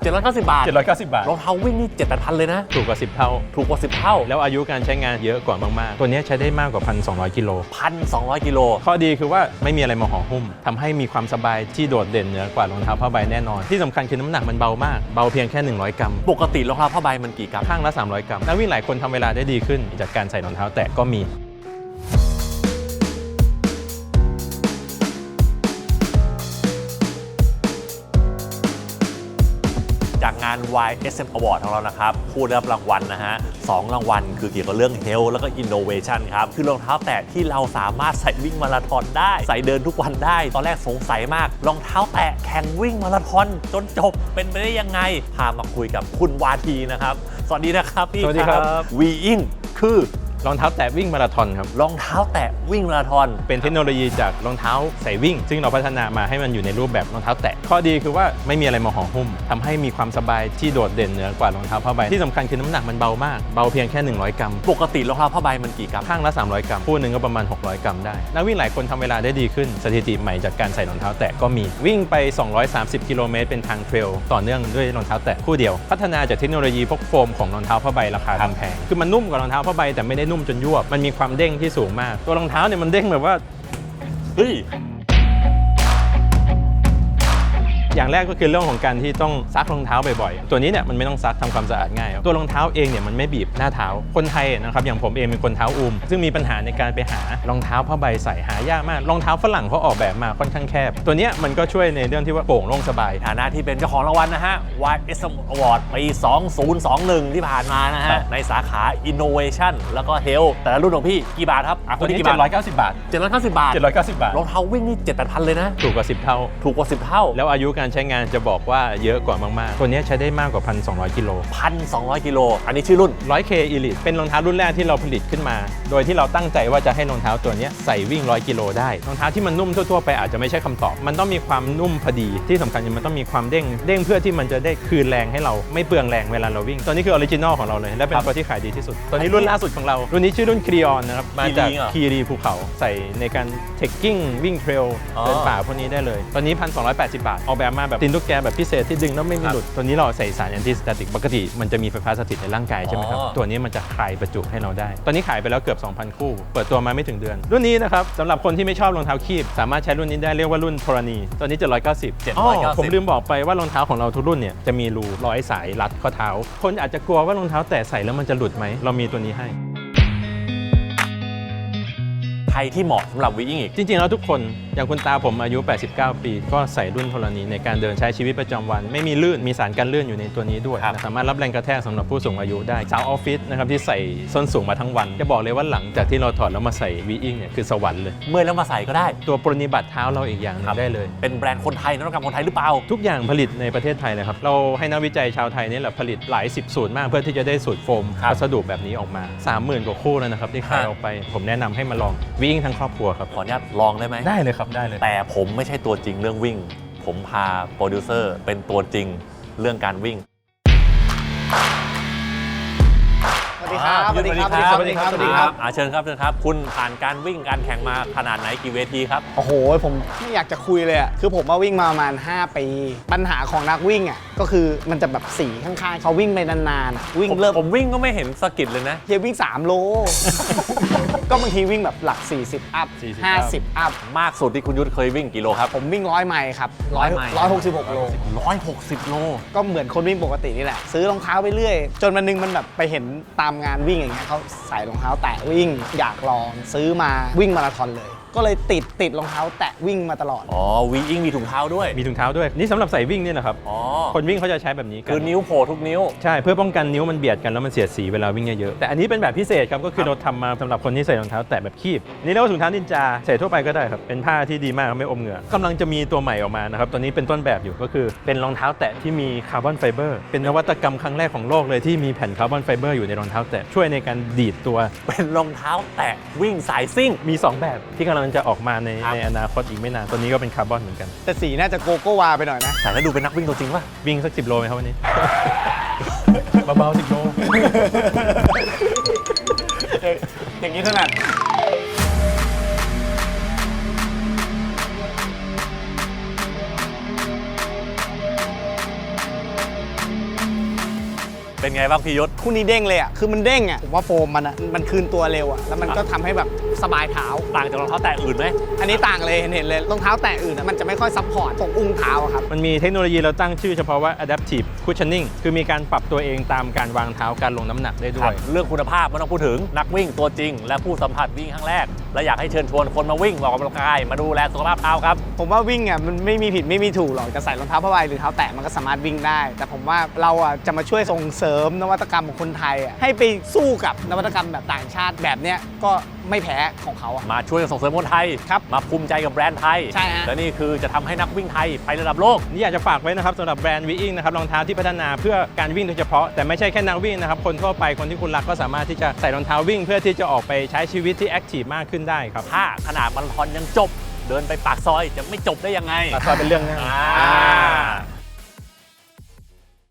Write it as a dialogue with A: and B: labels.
A: 790 บาท
B: 790 บาท
A: รองเท้าวิ่งนี่ 7-8,000 เลยนะ
B: ถูกกว่า10 เท่า
A: ถูกกว่า 10 เท่า
B: แล้วอายุการใช้งานเยอะกว่ามากๆตัวนี้ใช้ได้มากกว่า 1,200 กิโล
A: 1,200 กิโล
B: ข้อดีคือว่าไม่มีอะไรมาห่อหุ้มทำให้มีความสบายที่โดดเด่นเหนือกว่ารองเท้าผ้าใบแน่นอนที่สำคัญคือน้ำหนักมันเบามากเบาเพียงแค่100 กรัม
A: ปกติรองเท้าผ้าใบมันกี่กรัม
B: ข้างละ300 กรัมนักวิ่งหลายคนทำเวลาได้ดีขึ้นจากการใส่รองเท้าแตะก็มี
A: จากงาน YSM Award ของเรานะครับผู้ได้รับรางวัลนะฮะ2 รางวัลคือเกี่ยวกับเรื่อง Health แล้วก็ Innovation ครับคือรองเท้าแตะที่เราสามารถใส่วิ่งมาราธอนได้ใส่เดินทุกวันได้ตอนแรกสงสัยมากรองเท้าแตะแข่งวิ่งมาราธอนจนจบเป็นไปได้ยังไงพามาคุยกับคุณวาทีนะครับสวัสดีนะครับพี่
B: สวัสดีครับ
A: Weing คือ
B: รองเท้าแตะวิ่งมาราธอนครับ
A: รองเท้าแตะวิ่งมาราธอน
B: เป็นเทคโนโลยีจากรองเท้าใส่วิ่งซึ่งเราพัฒนามาให้มันอยู่ในรูปแบบรองเท้าแตะข้อดีคือว่าไม่มีอะไรมาห่อหุ้มทำให้มีความสบายที่โดดเด่นเหนือกว่ารองเท้าผ้าใบที่สำคัญคือน้ำหนักมันเบามากเบาเพียงแค่100 กรัม
A: ปกติรองเท้าผ้าใบมันกี่กรัม
B: ข้างละ300 กรัมคู่หนึ่งก็ประมาณ600 กรัมได้นักวิ่งหลายคนทำเวลาได้ดีขึ้นสถิติใหม่จากการใส่รองเท้าแตะก็มีวิ่งไป230 กิโลเมตรเป็นทางเทรลต่อเนื่องด้วยรองเท้าแตะคู่เดียวพัฒนาจากเทคโนโลยีพวกโฟมของรองเท้าผ้าใบราคาแพงคือมันนุ่มกว่ารองเท้าผ้าใบแต่ไม่ได้นุ่มจนยวบมันมีความเด้งที่สูงมากตัวรองเท้าเนี่ยมันเด้งแบบว่า
A: เฮ้ย
B: อย่างแรกก็คือเรื่องของการที่ต้องซักรองเท้าบ่อยๆตัวนี้เนี่ยมันไม่ต้องซักทำความสะอาดง่ายตัวรองเท้าเองเนี่ยมันไม่บีบหน้าเท้าคนไทยนะครับอย่างผมเองเป็นคนเท้าอูมซึ่งมีปัญหาในการไปหารองเท้าผ้าใบใส่หายากมากรองเท้าฝรั่งเขาออกแบบมาค่อนข้างแคบตัวนี้มันก็ช่วยในเรื่องที่ว่าโปร่งโล่งสบาย
A: ฐานะที่เป็นเจ้าของรางวัลนะฮะ YSM Award ปี 2021 ที่ผ่านมานะฮะในสาขา Innovation แล้วก็ Health แต่ละรุ่นของพี่กี่บาทครับ
B: ตัวนี้790 บาท
A: 790 บาท
B: 790 บาท
A: รองเท้าวิ่งนี่ 7-8,000 เลยนะ
B: ถูกกว่า10 เท่า
A: ถูกกว่า 10 เท่า
B: แล้วอายุการใช้งานจะบอกว่าเยอะกว่ามากๆตัวนี้ใช้ได้มากกว่า 1,200 กิโล
A: 1,200 กิโลอันนี้ชื่อรุ่น
B: 100K Elite เป็นรองเท้ารุ่นแรกที่เราผลิตขึ้นมาโดยที่เราตั้งใจว่าจะให้รองเท้าตัวนี้ใส่วิ่ง100 กิโลได้รองเท้าที่มันนุ่มทั่วๆไปอาจจะไม่ใช่คำตอบมันต้องมีความนุ่มพอดีที่สำคัญมันต้องมีความเด้งเพื่อที่มันจะได้คืนแรงให้เราไม่เปลืองแรงเวลาเราวิ่งตัวนี้คือออริจินอลของเราเลยและเป็นตัวที่ขายดีที่สุดตัวนี้รุ่นล่าสุดของเรารุ่นนี้ชื่อรุ่นครีออนนะครับมาจากคีรีภูเขาใส่ในการเทคกิ้งวิ่งเทรลเดินป่าพวกนี้ได้เลยตอนนี้ 1,280 บาทออกแบบมาแบบตีนตุ๊กแกแบบพิเศษที่ดึงแล้วไม่มีหลุดตัวนี้เราใส่สารแอนตี้สแตติกปกติมันจะมีไฟฟ้าสถิตในร่างกายใช่ไหมครับตัวนี้มันจะคลายประจุให้เราได้ตอนนี้ขายไปแล้วเกือบ 2,000 คู่เปิดตัวมาไม่ถึงเดือนรุ่นนี้นะครับสำหรับคนที่ไม่ชอบรองเท้าคีบสามารถใช้รุ่นนี้ได้เรียกว่ารุ่นธรณีตัวนี้790ผมลืมบอกไปว่ารองเท้าของเราทุกรุ่นเนี่ยจะมีรูร้อยสายรัดข้อเท้าคนอาจจะกลัวว่ารองเท้าแตะใส่แล้วมันจะหลุดไหมเรามีตัวนี้ให้
A: ใครที่เหมาะสำหรับวิ่งอีก
B: จริงๆแล้วทุกคนอย่างคุณตาผมอายุ89 ปีก็ใส่รุ่นธรณีในการเดินใช้ชีวิตประจำวันไม่มีลื่นมีสารกันลื่นอยู่ในตัวนี้ด้วยสามารถรับแรงกระแทกสำหรับผู้สูงอายุได้สาวออฟฟิศนะครับที่ใส่ส้นสูงมาทั้งวันจะบอกเลยว่าหลังจากที่เราถอดแล้วมาใส่วีอิงเนี่ยคือสวรรค์เลย
A: เมื่อแล้วมาใส่ก็ได้
B: ตัวปรนิบัติเท้าเราอีกอย่างนึงได้เลย
A: เป็นแบรนด์คนไทยนวัตกรรมคนไทยหรือเปล่า
B: ทุกอย่างผลิตในประเทศไทยเลยครับเราให้นักวิจัยชาวไทยนี่แหละผลิตหลาย10 สูตรมากเพื่อที่จะได้สูตรโฟมวัสดุแบบนี้ออกมา 30,000 กว่าคู่แล้วนะครับที่ขายออกไปผมแนะนำให้มาลองวีอิงทั้งครอบครัวครับ
A: ขออนุญาตลองได้ไหม
B: ได้เลยครับได้เลย
A: แต่ผมไม่ใช่ตัวจริงเรื่องวิ่งผมพาโปรดิวเซอร์เป็นตัวจริงเรื่องการวิ่ง
C: สวัสดีครับ
A: สวัสดีครับเชิญครับคุณผ่านการวิ่งการแข่งมาขนาดไหนกี่เวทีครับ
C: โอ้โหผมไม่อยากจะคุยเลยอ่ะคือผมมาวิ่งมาประมาณ5 ปีปัญหาของนักวิ่งอ่ะก็คือมันจะแบบสีข้างๆเขาวิ่งไปนานๆวิ่งเริ่ม
A: ผมวิ่งก็ไม่เห็นสะกิดเลยนะ
C: เฮียวิ่ง3 โล ก็บางทีวิ่งแบบหลัก40 อัพ 50 อัพ
A: มากสุดที่คุณยุทธเคยวิ่งกี่โลครับ
C: ผมวิ่ง100 ไมล์ครับ166 โล
A: 160 โล
C: ก็เหมือนคนวิ่งปกตินี่แหละซื้อรองเท้าไปเรื่อยจนวันนึงมันแบบไปเห็นตามงานวิ่งอย่างเงี้ยเขาใส่รองเท้าแตะวิ่งอยากลองซื้อมาวิ่งมาราธอนเลยก็เลยติดรองเท้าแตะวิ่งมาตลอด
A: วิ่งมีถุงเท้าด้วย
B: นี่สำหรับใส่วิ่งนี่นะครับคนวิ่งเขาจะใช้แบบนี้
A: คือนิ้วโผล่ทุกนิ้ว
B: ใช่เพื่อป้องกันนิ้วมันเบียดกันแล้วมันเสียดสีเวลาวิ่งเยอะๆแต่อันนี้เป็นแบบพิเศษครับก็คือเราทำมาสำหรับคนที่ใส่รองเท้าแตะแบบคีบนี่เรียกว่าถุงเท้านินจาใส่ทั่วไปก็ได้ครับเป็นผ้าที่ดีมากไม่อมเหงื่อกำลังจะมีตัวใหม่ออกมานะครับตัวนี้เป็นต้นแบบอยู่ก็คือเป็นรองเท้าแตะที่มีคาร์บอนไฟเบอร์เป็นนวัตกรรมครั้งแรกของโลกเลยที่มีแผ่นคาร์บอนไฟเบอร์อยู่ในรองเท้าแตะช่วยในการดีดตัว
A: เป็นรองเท้าแตะวิ่งสายซิ่ง
B: มี2แบบที่กำลังจะออกมาในอนาคตอีกไม่นานตัวนี้ก็เป็นคาร์บอนเหมือนกัน
C: แต่สีน่าจะโกโก้วาไปหน่อยนะ
A: แต่แล้วดูเป็นนักวิ่งตัวจริงป่ะ
B: วิ่งสัก10 โลไหมครับวันนี้ เบาๆ10 โล
C: อย่างนี้ถนัด
A: เป็นไงบ้างพี่ยศ
C: คู่นี้เด้งเลยอ่ะคือมันเด้งอ่ะผมว่าโฟมมันคืนตัวเร็วอ่ะแล้วมันก็ทำให้แบบสบายเท้า
A: ต่างจากรองเท้าแตะอื่นไหม
C: อันนี้ต่างเลยเห็นเลยรองเท้าแตะอื่นอะมันจะไม่ค่อยซัพพอร์ตตรงอุ้งเท้าอะครับ
B: มันมีเทคโนโลยีเราตั้งชื่อเฉพาะว่า adaptive cushioning คือมีการปรับตัวเองตามการวางเท้าการลงน้ำหนักได้ด้วย
A: เรื่องคุณภาพไม่ต้องพูดถึงนักวิ่งตัวจริง และผู้สัมผัสวิ่งครั้งแรก และอยากให้เชิญชวนคนมาวิ่งออกกำลังกายมาดูแลสุขภาพเท้าครับ
C: ผมว่าวิ่งอ่ะมันไม่มีผิดไม่มีถูกหรอกจะใส่รองเท้าผ้าใบหรือเท้าแตะมันก็สามารถวิ่งได้ แต่ผมว่าเราอ่ะจะมาช่วยส่งเสริมนวัตกรรมของคนไทยอ่ะให้ไปสู้กับนวัตกรรมแบบต่างชาติแบบเนี้ยก็ไม่แพ้ของเขาอ่ะ
A: มาช่วยส่งเสริมคนไทย
C: ครับ
A: มาภูมิใจกับแบรนด์ไทย
C: ใช่ฮะ
A: และนี่คือจะทำให้นักวิ่งไทยไประดับโลก
B: นี่อยากจะฝากไว้นะครับสำหรับแบรนด์วีอิงนะครับรองเท้าที่พัฒนาเพื่อการวิ่งโดยเฉพาะแต่ไม่ใช่แค่นักวิ่งนะครับคนทั่วไปคนที่คุณรักก็สามารถที่จะใส่รองเท้าวิ่งเพื่อที่จะออกไปใช้ชีวิตที่แอคทีฟมากขึ้นได้ครับ
A: ถ้าขนาดมาราธอนยังจบ เดินไปปากซอยจะไม่จบได้ยังไง
B: ก็เป็นเรื่องหน้า
A: อ่า